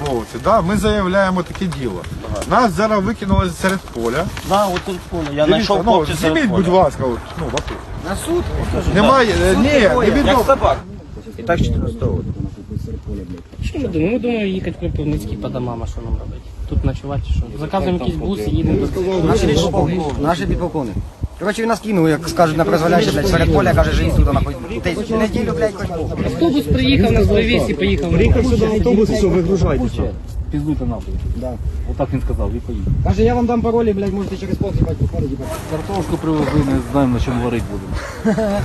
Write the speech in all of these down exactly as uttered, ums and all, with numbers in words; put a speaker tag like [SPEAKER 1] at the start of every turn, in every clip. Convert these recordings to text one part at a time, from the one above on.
[SPEAKER 1] військовослужбовці, да, ми заявляємо таке діло. Ага. Нас зараз викинули серед поля.
[SPEAKER 2] Да, от серед поля. Я
[SPEAKER 1] Дивіться,
[SPEAKER 2] знайшов
[SPEAKER 1] ну,
[SPEAKER 2] хлопців серед
[SPEAKER 1] зніміть,
[SPEAKER 2] поля.
[SPEAKER 1] будь ласка, от, ну, вокруг.
[SPEAKER 2] На суд?
[SPEAKER 1] Немає,
[SPEAKER 2] Да.
[SPEAKER 1] ні,
[SPEAKER 2] Суд
[SPEAKER 1] не відомо.
[SPEAKER 2] як собак. І так чотириста.
[SPEAKER 3] Що ми думаємо? Ми думаємо їхати в Кропивницький по домам, а що нам робити? Тут ночувати, що? Заказуємо якийсь бус і їдемо до
[SPEAKER 4] Наші підполковник. Наші підполковник. Коротше, він нас кинув, як скажуть, на призволяще, блядь, серед поля, каже, живіть тут, нахуй. Ти неділю, блядь, хоч Бог.
[SPEAKER 3] Автобус приїхав, нас привіз і поїхав.
[SPEAKER 5] Приїхав сюди автобус, і все, вигружайтеся. Піздуйте нахуй. Да. Отак він сказав, і поїхав.
[SPEAKER 4] Каже, я вам дам паролі, блядь, можете через пол, їбать, виходить, їбать.
[SPEAKER 5] Картошку привезли, не знаємо, на чому варити будемо.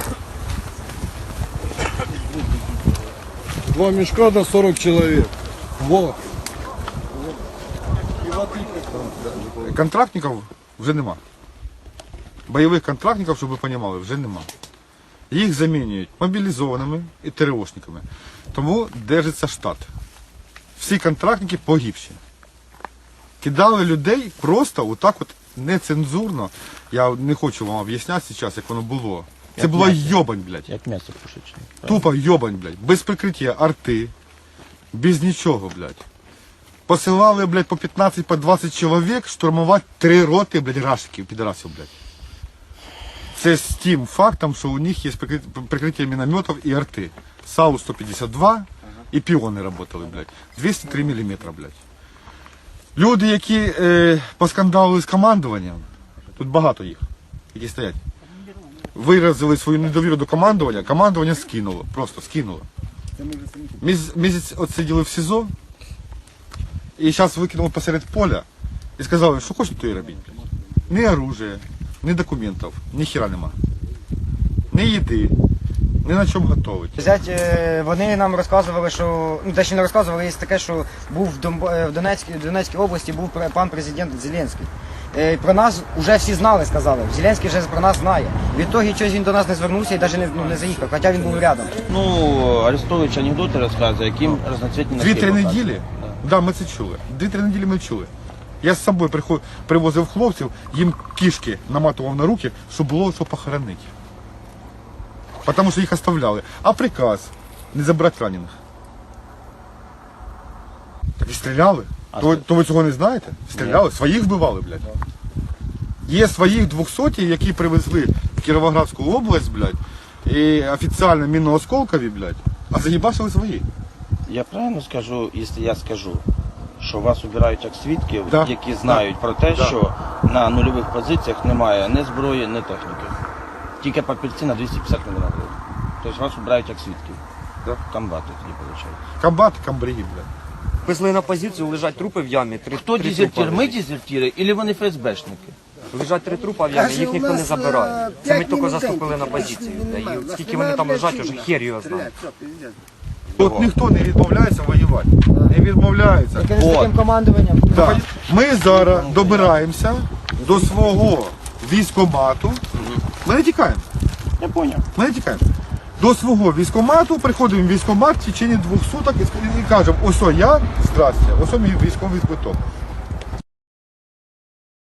[SPEAKER 6] Два мешка на сорок человек. Во.
[SPEAKER 1] Контрактників вже нема. Бойових контрактників, щоб ви розуміли, вже нема. Їх замінюють мобілізованими і ТРОшниками. Тому держиться штат. Всі контрактники погибші. Кидали людей просто отак от нецензурно. Я не хочу вам об'ясняти зараз, як воно було. Це була йобань, блядь.
[SPEAKER 2] Як м'ясо пушечне.
[SPEAKER 1] Тупо йобань, блядь. Без прикриття арти. Без нічого, блядь. Посилали, блядь, по п'ятнадцять, по двадцять чоловік штурмувати три роти, блядь, рашиків, підарасів, блядь. Це з тим фактом, що у них є прикриття мінометів і арти. САУ сто п'ятдесят два і піони працювали, блядь. двісті три міліметри, блядь. Люди, які е, поскандалили з командуванням, тут багато їх, які стоять, виразили свою недовіру до командування, командування скинуло, просто скинуло. Місяць, місяць отсиділи в СІЗО, і зараз викинули посеред поля і сказали, що хочете, то і робіть. Ні оружия, ні документів, ні хіра нема. Ні їди, ні на чому готовить.
[SPEAKER 4] Взять, е, вони нам розказували, що, ну, те, що не розказували, є таке, що був в, Донб... е, в Донецькій, в Донецькій області був пр- пан президент Зеленський. Е, Про нас вже всі знали, сказали. Зеленський вже про нас знає. Відтоді щось він до нас не звернувся і навіть не, ну, не заїхав, хоча він був рядом.
[SPEAKER 2] Ну, Арестович анекдоти розказує, яким разноцвітні носки
[SPEAKER 1] Дві-три
[SPEAKER 2] показує.
[SPEAKER 1] неділі, так, да, ми це чули. Дві-три неділі ми чули. Я з собою приход... привозив хлопців, їм кішки наматував на руки, щоб було що похоронити. Тому що їх оставляли. А приказ не забрати ранених. Так і стріляли. То, то ви цього не знаєте? Стріляли, своїх вбивали, блядь. Є своїх двохсоті, які привезли в Кіровоградську область, блядь, і офіційно мінно-осколкові, блядь, а заїбашили свої.
[SPEAKER 2] Я правильно скажу, якщо я скажу, що вас обирають як свідків,
[SPEAKER 1] Да.
[SPEAKER 2] які знають про те,
[SPEAKER 1] Да.
[SPEAKER 2] що на нульових позиціях немає ні зброї, ні техніки. Тільки папірці на двісті п'ятдесят мільйонів гривень. Тобто вас обирають як свідків.
[SPEAKER 1] Да.
[SPEAKER 2] Комбати тоді виходить.
[SPEAKER 1] Комбати, камбрigi, блядь.
[SPEAKER 7] Везли на позицію, лежать трупи в ямі. Три,
[SPEAKER 2] Хто
[SPEAKER 7] три
[SPEAKER 2] дезертир?
[SPEAKER 7] трупа
[SPEAKER 2] Ми
[SPEAKER 7] лежать.
[SPEAKER 2] дезертири, або вони ФСБшники?
[SPEAKER 7] Лежать три трупа в ямі, їх ніхто не забирає. Це ми тільки заступили на позицію. Да, і скільки вони там лежать, уже хер його знає.
[SPEAKER 1] От ніхто не відмовляється воювати. Не відмовляється.
[SPEAKER 4] Тільки не з
[SPEAKER 2] От.
[SPEAKER 4] таким командуванням.
[SPEAKER 1] Так. Ми зараз добираємося до свого військкомату. Ми не тікаємо.
[SPEAKER 2] Я поняв.
[SPEAKER 1] Ми не тікаємо. До свого військкомату, приходимо в військкомат в течение двох суток і, і кажемо, ось о я, здрасте, ось о мій військовий квиток.